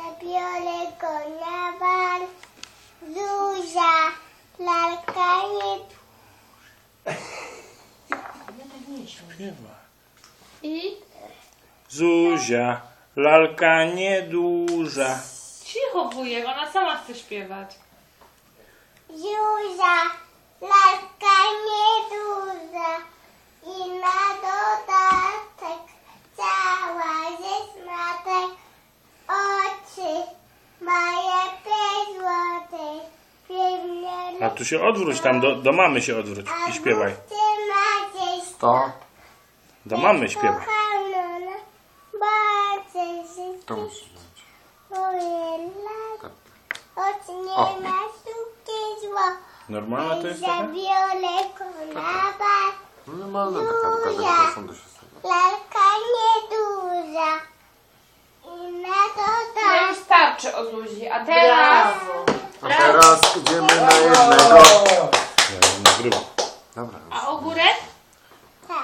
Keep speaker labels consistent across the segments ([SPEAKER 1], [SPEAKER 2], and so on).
[SPEAKER 1] zabiorę go na bal. Zuzia, lalka nie...
[SPEAKER 2] Śpiewa.
[SPEAKER 3] I?
[SPEAKER 2] Zuzia, lalka nieduża.
[SPEAKER 3] Cicho, wujek, ona sama chce śpiewać.
[SPEAKER 1] Zuzia, lalka nieduża i na dodatek cała ze smatek. Oczy moje złote,
[SPEAKER 2] A tu się odwróć, tam do mamy się odwróć i śpiewaj.
[SPEAKER 4] To?
[SPEAKER 2] Do mamy śpiewaj.
[SPEAKER 4] To musisz zrobić.
[SPEAKER 1] Oczy nie
[SPEAKER 4] O.
[SPEAKER 1] ma sztuki zło.
[SPEAKER 2] Normalna to jest taka?
[SPEAKER 1] Zabiorę go na bal.
[SPEAKER 4] Normalna taka, do każdego sądu się stawia.
[SPEAKER 1] Lalka nieduża i na
[SPEAKER 3] No
[SPEAKER 1] dodatek.
[SPEAKER 3] już starczy o Zuzi, a teraz...
[SPEAKER 4] A teraz idziemy na jednego.
[SPEAKER 2] Ja nagrywam.
[SPEAKER 4] Dobra.
[SPEAKER 3] A ogórek?
[SPEAKER 1] Tak.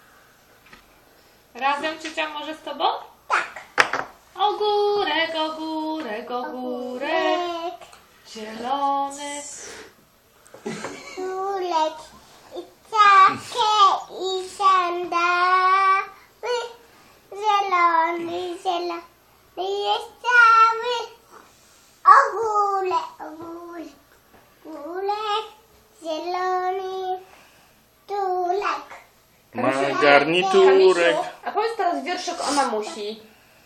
[SPEAKER 3] Razem ciocia może z tobą? Tak. Ogórek, ogórek, ogórek, zielony.
[SPEAKER 1] Kulek i czapkę i sandały. Zielony, zielony jest cały. Ogórek, zielony tulek.
[SPEAKER 2] Ma garniturek.
[SPEAKER 3] A powiedz teraz wierszyk o mamusi.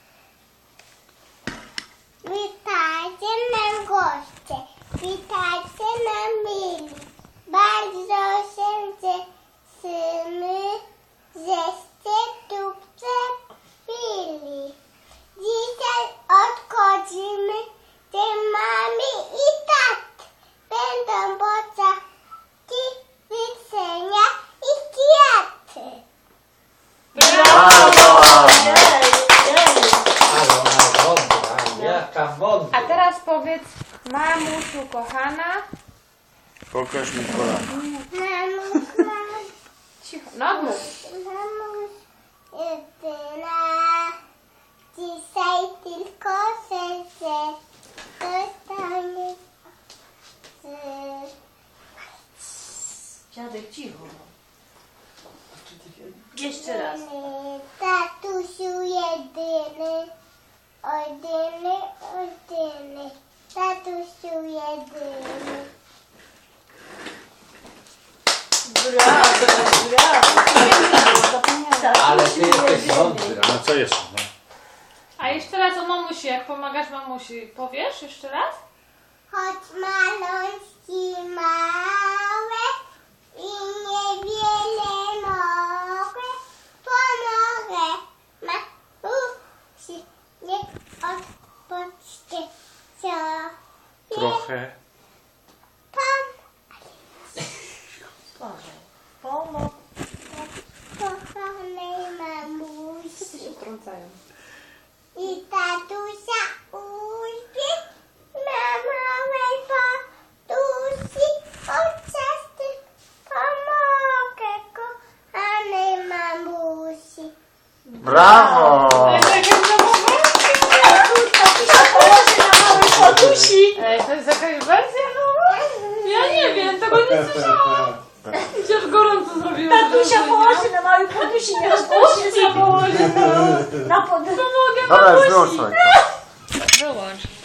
[SPEAKER 1] Witajcie nam goście, witajcie nam mili. Bardzo się cieszymy, żeście tu przybili. Dzisiaj odchodzimy, gdzie mamy i tat. Będą bociaki, widzenia i kwiaty.
[SPEAKER 5] Jaka wątka.
[SPEAKER 3] A teraz powiedz, mamusiu kochana.
[SPEAKER 2] Pokaż mi kolana.
[SPEAKER 1] Mamuś,
[SPEAKER 3] Cicho, no mów.
[SPEAKER 1] mamuś, jedyna. Dzisiaj tylko serce dostanie.
[SPEAKER 3] Dziadek, cicho. Jeszcze raz.
[SPEAKER 1] Tatusiu jedyny, jedyny, tatusiu jedyny.
[SPEAKER 5] Ale ty jesteś mądry.
[SPEAKER 2] No co jeszcze? No.
[SPEAKER 3] A jeszcze raz o mamusi, jak pomagasz mamusi. Powiesz jeszcze raz?
[SPEAKER 1] Choć malączki małe i niewiele mogę, pomogę mamusi, nie odpoczcie sobie.
[SPEAKER 2] Trochę.
[SPEAKER 1] Kochanej mamusi
[SPEAKER 3] Wtrącają.
[SPEAKER 1] i tatusia uśpi na małej podusi. Podczas tych pomogę kochanej mamusi.
[SPEAKER 4] Brawo!
[SPEAKER 3] To jest jakaś wersja nowa? Ja nie wiem, tego nie słyszałam. Przecież gorąco zrobiłem.
[SPEAKER 6] Tatusia położy na małej podusi, nie rozpuści
[SPEAKER 3] Tatusia położy
[SPEAKER 6] na podusi.
[SPEAKER 3] Pomogę
[SPEAKER 4] Dobra,
[SPEAKER 3] mamusi.
[SPEAKER 4] wyłącz.
[SPEAKER 3] Wyłącz.